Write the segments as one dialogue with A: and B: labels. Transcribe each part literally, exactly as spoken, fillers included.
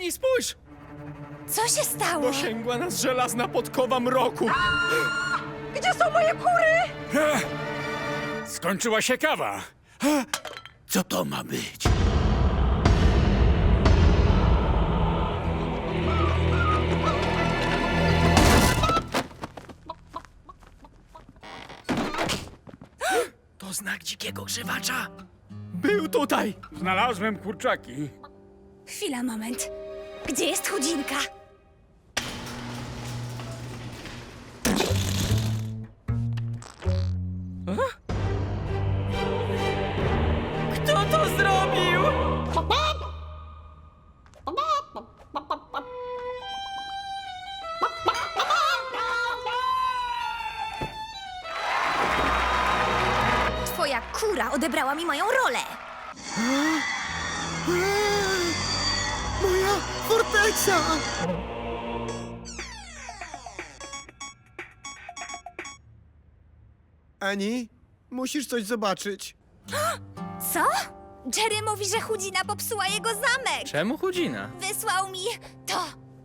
A: Eni, spójrz!
B: Co się stało?
A: Dosięgła nas żelazna podkowa mroku.
B: Gdzie są moje kury?
A: Skończyła się kawa. Co to ma być? To znak dzikiego grzywacza. Był tutaj. Znalazłem kurczaki.
B: Chwila, moment. Gdzie jest chudzinka?
A: Kto to zrobił?
B: Twoja kura odebrała mi moją rolę.
C: Moja forteca! Ani, musisz coś zobaczyć.
B: Co? Jerry mówi, że chudzina popsuła jego zamek.
A: Czemu chudzina?
B: Wysłał mi to.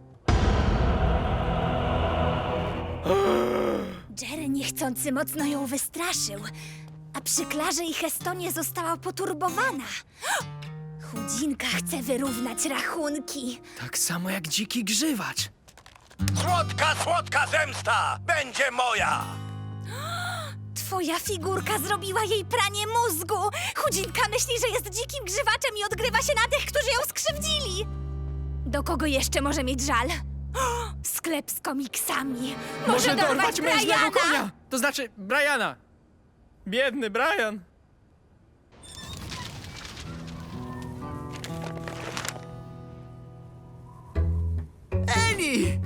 B: Jerry niechcący mocno ją wystraszył, a przy Klarze i Hestonie została poturbowana. Chudzinka chce wyrównać rachunki.
A: Tak samo jak dziki grzywacz.
D: Słodka, słodka zemsta będzie moja!
B: Twoja figurka zrobiła jej pranie mózgu. Chudzinka myśli, że jest dzikim grzywaczem i odgrywa się na tych, którzy ją skrzywdzili. Do kogo jeszcze może mieć żal? O, sklep z komiksami. Może, dorwać
A: mężnego
B: Briana?
A: konia! To znaczy Briana. Biedny Brian.
C: Eni!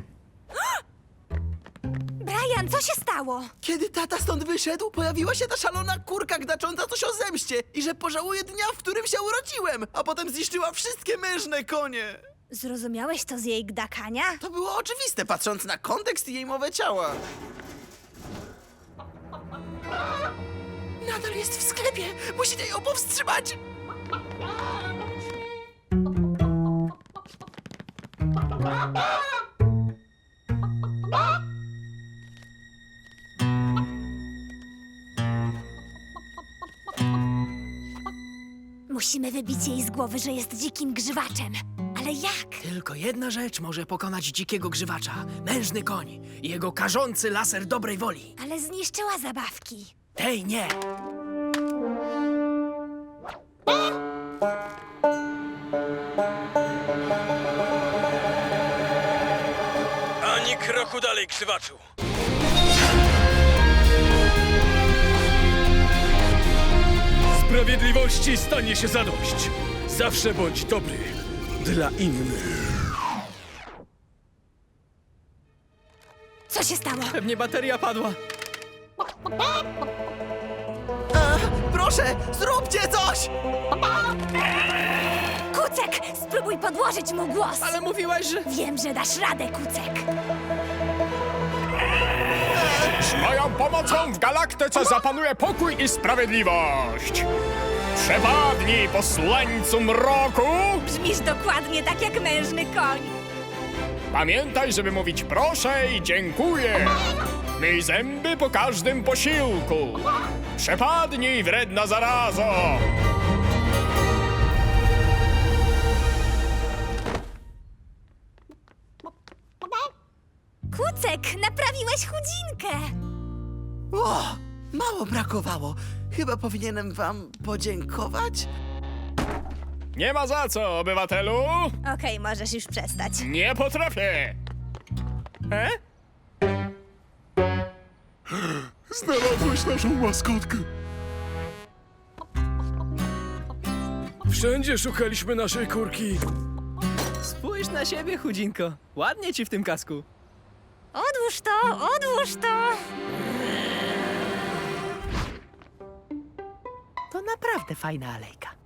B: Brian, co się stało?
C: Kiedy tata stąd wyszedł, pojawiła się ta szalona kurka gdacząca coś o zemście i że pożałuje dnia, w którym się urodziłem, a potem zniszczyła wszystkie mężne konie.
B: Zrozumiałeś to z jej gdakania?
C: To było oczywiste, patrząc na kontekst i jej mowę ciała. Nadal jest w sklepie! Musicie ją powstrzymać!
B: Musimy wybić jej z głowy, że jest dzikim grzywaczem. Ale jak?
A: Tylko jedna rzecz może pokonać dzikiego grzywacza. Mężny koń i jego karzący laser dobrej woli.
B: Ale zniszczyła zabawki.
A: Tej nie.
D: Ani kroku dalej, krzywaczu!
E: Sprawiedliwości stanie się zadość. Zawsze bądź dobry dla innych.
B: Co się stało?
A: Pewnie bateria padła.
C: A, proszę, zróbcie coś!
B: Kucek, spróbuj podłożyć mu głos.
A: Ale mówiłaś, że...
B: Wiem, że dasz radę, Kucek.
E: Z moją pomocą w galaktyce zapanuje pokój i sprawiedliwość. Przepadnij, posłańcu mroku!
B: Brzmisz dokładnie tak jak mężny koń.
E: Pamiętaj, żeby mówić proszę i dziękuję. Myj zęby po każdym posiłku. Przepadnij, wredna zarazo!
B: Kucek, naprawiłeś chudzinkę.
C: O, mało brakowało. Chyba powinienem wam podziękować?
E: Nie ma za co, obywatelu!
B: Okej, możesz już przestać.
E: Nie potrafię!
A: E?
E: Znalazłeś naszą maskotkę. Wszędzie szukaliśmy naszej kurki.
A: Spójrz na siebie, chudzinko. Ładnie ci w tym kasku.
B: Odłóż to, odłóż to.
A: To naprawdę fajna alejka.